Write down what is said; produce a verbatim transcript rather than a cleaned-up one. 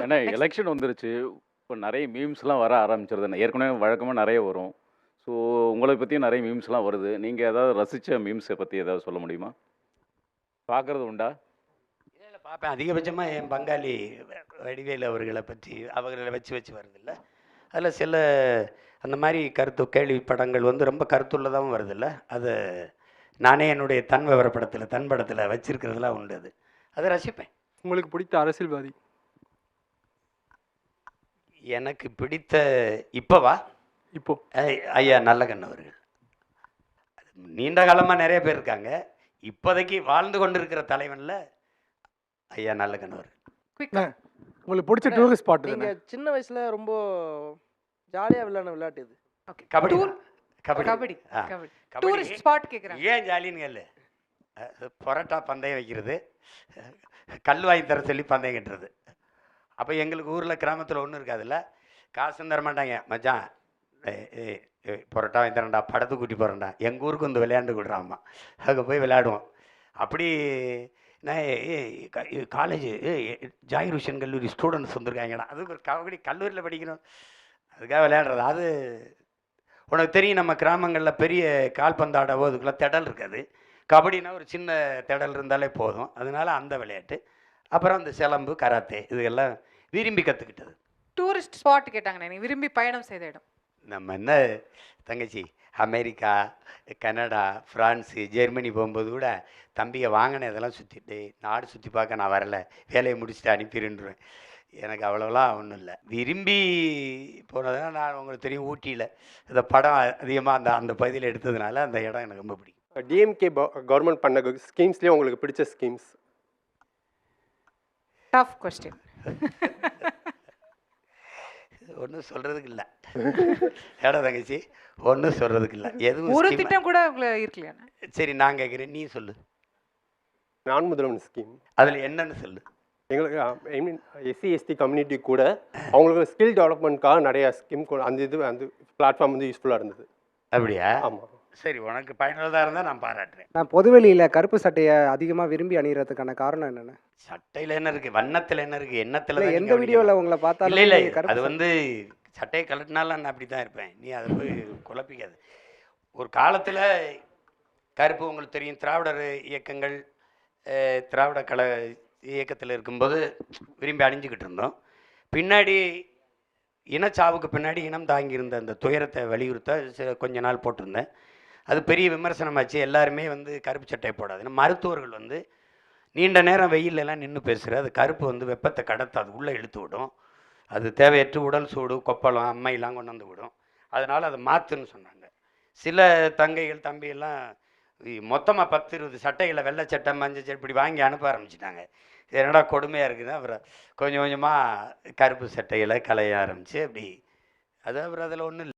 ஏன்னா next. Election வந்துருச்சு. இப்போ நெறைய மீம்ஸ்லாம் வர ஆரம்பிச்சிருது. ஏற்கனவே வழக்கமா நெறைய வரும். ஸோ உங்கள பத்தியும் நெறைய மீம்ஸ்லாம் வருது. நீங்க ஏதாவது ரசிச்ச மீம்ஸ பத்தி ஏதாவது சொல்ல முடியுமா? பார்க்கறது உண்டா? இல்ல, இல்ல பார்ப்பேன். அதிகபட்சமா என் பங்காளி வ வடிவேலு அவர்கள பற்றி அவர்கள வச்சு வச்சு வருதுல்ல. அதில சில அந்த மாரி கருத்து கேள்வி படங்கள் வந்து ரொம்ப கருத்துள்ளதாவும் வருதுல்ல. அத நானே என்னுடைய தன் விவர படத்தில, தன் படத்தில வச்சிருக்கிறதெல்லாம் உண்டு அது. அத ரசிப்பேன். உங்களுக்கு பிடித்த அரசியல்வாதி? எனக்கு பிடித்த இப்பவா? இப்போ. ஐ ஐயா நல்லகண்ணு அவர்கள். நீண்ட காலமா நெறைய பேர் இருக்காங்க. இப்போதைக்கு வாழ்ந்து கொண்டிருக்கிற தலைவன்ல ஐயா நல்லகண்ணு அவர்கள். அண்ணே, உங்களுக்கு பிடிச்ச டூரிஸ்ட் ஸ்பாட் நீங்க எதுண்ணே? சின்ன வயசுல ரொம்ப ஜாலியா விளையாடின விளையாட்டு இது. ஓகே. கபடி டூர் தான். கபடி. கபடி. ஆ. கபடி. கபடி. டூரிஸ்ட் ஸ்பாட் கேக்குறாங்க. ஏன் ஜாலின்னு கேளு. அ பரோட்டா பந்தயம் வைக்கிறது, கல் வாங்கி தர சொல்லி பந்தயம் கட்டுறது. அப்போ எங்களுக்கு ஊரில் கிராமத்தில் ஒன்றும் இருக்காதுல்ல. காசும் தர மாட்டாங்க. மச்சான் ஏய் ஏய் ஏய் பரோட்டா வாங்கி தரேன்டா, படத்துக்கு கூட்டி போகிறேன்டா, எங்கள் ஊருக்கு வந்து விளையாண்டு கொடுறாம்மா. அங்கே போய் விளையாடுவோம். அப்படி நான் ஏ காலேஜ் ஏ ஜாகிர் ஹுசேன் கல்லூரி ஸ்டூடெண்ட்ஸ் வந்திருக்காங்கடா, அது ஒரு கபடி கல்லூரியில் படிக்கணும், அதுக்காக விளையாடுறது. அது உனக்கு தெரியும், நம்ம கிராமங்களில் பெரிய கால்பந்தாடவோ அதுக்கெல்லாம் திடல் இருக்காது. கபடினா ஒரு சின்ன திடல் இருந்தாலே போதும். அதனால அந்த விளையாட்டு. அப்புறம் அந்த சிலம்பு, கராத்தே இதெல்லாம் விரும்பி கற்றுக்கிட்டது. டூரிஸ்ட் ஸ்பாட் கேட்டாங்கண்ணே. நீ விரும்பி பயணம் செய்த இடம். நம்ம என்ன தங்கச்சி, அமெரிக்கா, கனடா, ஃப்ரான்ஸு, ஜெர்மனி போகும்போது கூட தம்பியை வாங்கின இதெல்லாம் சுற்றிட்டு நாடு சுற்றி பார்க்க நான் வரல, வேலையை முடிச்சுட்டு அனுப்பிடுன்றேன். எனக்கு அவ்வளோலாம் ஒன்றும் இல்லை. விரும்பி போனதுனா நான் உங்களுக்கு தெரியும், ஊட்டியில் இந்த படம் அதிகமாக அந்த அந்த பகுதியில் எடுத்ததுனால அந்த இடம் எனக்கு ரொம்ப பிடிக்கும். டிஎம்கே கவர்மெண்ட் பண்ண ஸ்கீம்ஸ்லேயே உங்களுக்கு பிடிச்ச ஸ்கீம்ஸ்? Tough question. ஒன்றும் சொல்கிறதுக்கு இல்லை. ஏடா தங்கச்சி, ஒன்றும் சொல்கிறதுக்கு இல்லை. எதுவும் ஒரு scheme- திட்டம் கூட உங்களை இருக்கலையாண்ணே? சரி நான் கேட்குறேன், நீ சொல்லு. நான் முதல்வன் ஸ்கீம் அதில் என்னன்னு சொல்லு. எங்களுக்கு I mean SC ST community கூட அவங்களுக்கு ஸ்கில் டெவலப்மெண்ட்காக நிறைய ஸ்கீம் கூட அந்த இது அந்த பிளாட்ஃபார்ம் வந்து யூஸ்ஃபுல்லாக இருந்தது. அப்படியா? ஆமாம். சரி, உனக்கு பயனுள்ளதாக இருந்தால் நான் பாராட்டுறேன். நான் பொதுவெளியில் கருப்பு சட்டையை அதிகமாக விரும்பி அணிகிறதுக்கான காரணம் என்னென்ன? சட்டையில் என்ன இருக்குது, வண்ணத்தில் என்ன இருக்குது, எண்ணத்தில் இல்லை, தான் எந்த வீடியோவில் உங்களை இல்லை பார்த்தாலும் இல்லை நீங்க கருப்பு அது சட்டை- வந்து சட்டையை கழட்டினாலும் நான் அப்படி தான் இருப்பேன். நீ அதை போய் குழப்பிக்காது. ஒரு காலத்தில் கருப்பு உங்களுக்கு தெரியும், திராவிடர் இயக்கங்கள் அஹ், திராவிட கல இயக்கத்தில் இருக்கும்போது விரும்பி அணிஞ்சிக்கிட்டு இருந்தோம். பின்னாடி இனச்சாவுக்கு பின்னாடி இனம் தாங்கியிருந்த அந்த துயரத்தை வலியுறுத்த சில கொஞ்ச நாள் போட்டிருந்தேன். அது பெரிய விமர்சனமாச்சு. எல்லாருமே வந்து கருப்பு சட்டை போடாது. ஏன்னா மருத்துவர்கள் வந்து நீண்ட நேரம் வெயிலெல்லாம் நின்று பேசுகிற அது கருப்பு வந்து வெப்பத்தை கடத்தாது, உள்ளே இழுத்து விடும். அது தேவையற்ற உடல் சூடு, கொப்பளம், அம்மையெல்லாம் கொண்டு வந்து விடும். அதனால் அதை மாற்றுன்னு சொன்னாங்க. சில தங்கைகள் தம்பியெல்லாம் மொத்தமாக பத்து இருபது சட்டைகளை வெள்ளை சட்டை, மஞ்சள் சட்டை இப்படி வாங்கி அனுப்ப ஆரம்பிச்சிட்டாங்க. என்னடா கொடுமையாக இருக்குது. அப்புறம் கொஞ்சம் கொஞ்சமாக கருப்பு சட்டைகளை களைய ஆரம்பித்து அப்படி அது அப்புறம் அதில் ஒன்றும் இல்லை.